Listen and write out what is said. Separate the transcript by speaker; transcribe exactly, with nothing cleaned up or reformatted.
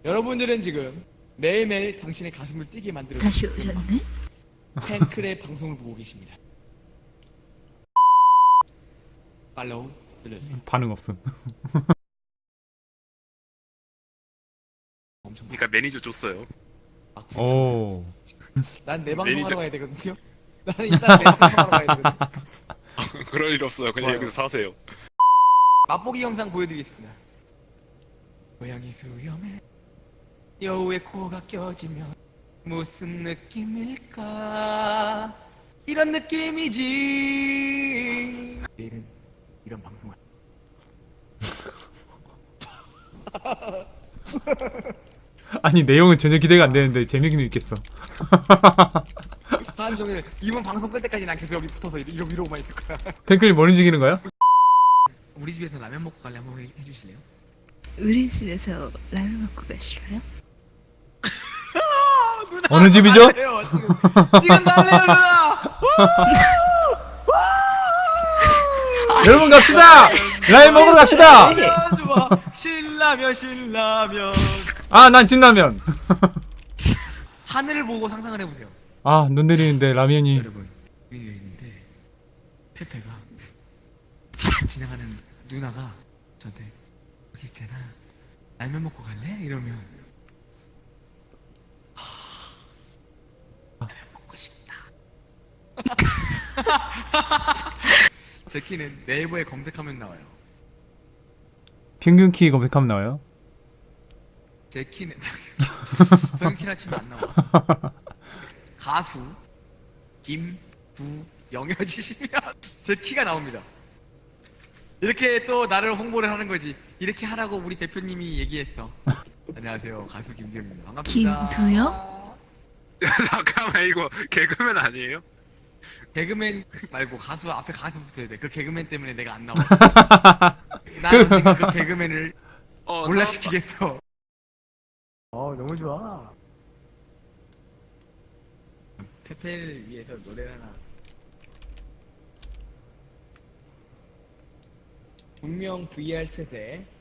Speaker 1: 여러분들은 지금 매일매일 당신의 가슴을 뛰게 만들어
Speaker 2: 다시 오셨네?
Speaker 1: 팬클의 방송을 보고 계십니다. 팔로우 눌러주세요.
Speaker 3: 반응 없음.
Speaker 1: 엄청
Speaker 4: 그러니까 매니저 줬어요.
Speaker 1: 막
Speaker 3: 오.
Speaker 1: 난내 방송
Speaker 4: 매니저-
Speaker 1: 하러 가야 되거든요. 나는 일단 내 방송 하러 가야 되거든요.
Speaker 4: 그럴 일 없어요. 그냥
Speaker 1: 좋아요.
Speaker 4: 여기서 사세요.
Speaker 1: 맛보기 영상 보여드리겠습니다. 고양이 수염에 여우의 코가 껴지면 무슨 느낌일까? 이런 느낌이지. 내일은 이런 방송을.
Speaker 3: 아니 내용은 전혀 기대가 안 되는데 재미는 있겠어.
Speaker 1: 하루 종일 이번 방송 끌 때까지 난 계속 여기 붙어서 이러, 이러고만 있을 거야.
Speaker 3: 팬클이 뭘 움직이는 거야?
Speaker 5: 우리 집에서 라면 먹고 갈래 한번 해- 해주실래요?
Speaker 2: 우리 집에서 라면 먹고 가실래요?
Speaker 3: 어느 집이죠?
Speaker 1: 달래요, 지금 지금 달래요 누나.
Speaker 3: 여러분 갑시다. 라임 먹으러 갑시다.
Speaker 1: 라면 좋아. 신라면 신라면.
Speaker 3: 아 난 진라면.
Speaker 5: 하늘을 보고 상상을 해보세요.
Speaker 3: 아 눈 내리는데 라면이.
Speaker 5: 여러분, 위에 있는데 페페가 지나가는 누나가 저한테 여기 있잖아. 라면 먹고 갈래? 이러면 하, 라면 먹고 싶다. 제 키는 네이버에 검색하면 나와요.
Speaker 3: 평균 키 검색하면 나와요.
Speaker 5: 제 키는 평균키나 치면 안 나와. 가수 김부영여지시면 제 키가 나옵니다. 이렇게 또 나를 홍보를 하는 거지. 이렇게 하라고 우리 대표님이 얘기했어. 안녕하세요, 가수 김부영입니다. 반갑습니다.
Speaker 2: 김두영?
Speaker 4: 잠깐만 이거 개그맨 아니에요?
Speaker 5: 개그맨 말고 가수 앞에 가수 붙어야 돼. 그 개그맨 때문에 내가 안 나와. 나는 언젠가 그 개그맨을
Speaker 4: 어,
Speaker 5: 몰락시키겠어.
Speaker 1: 어 너무 좋아.
Speaker 5: 페페를 위해서 노래를 하나.
Speaker 1: 분명 브이알 채세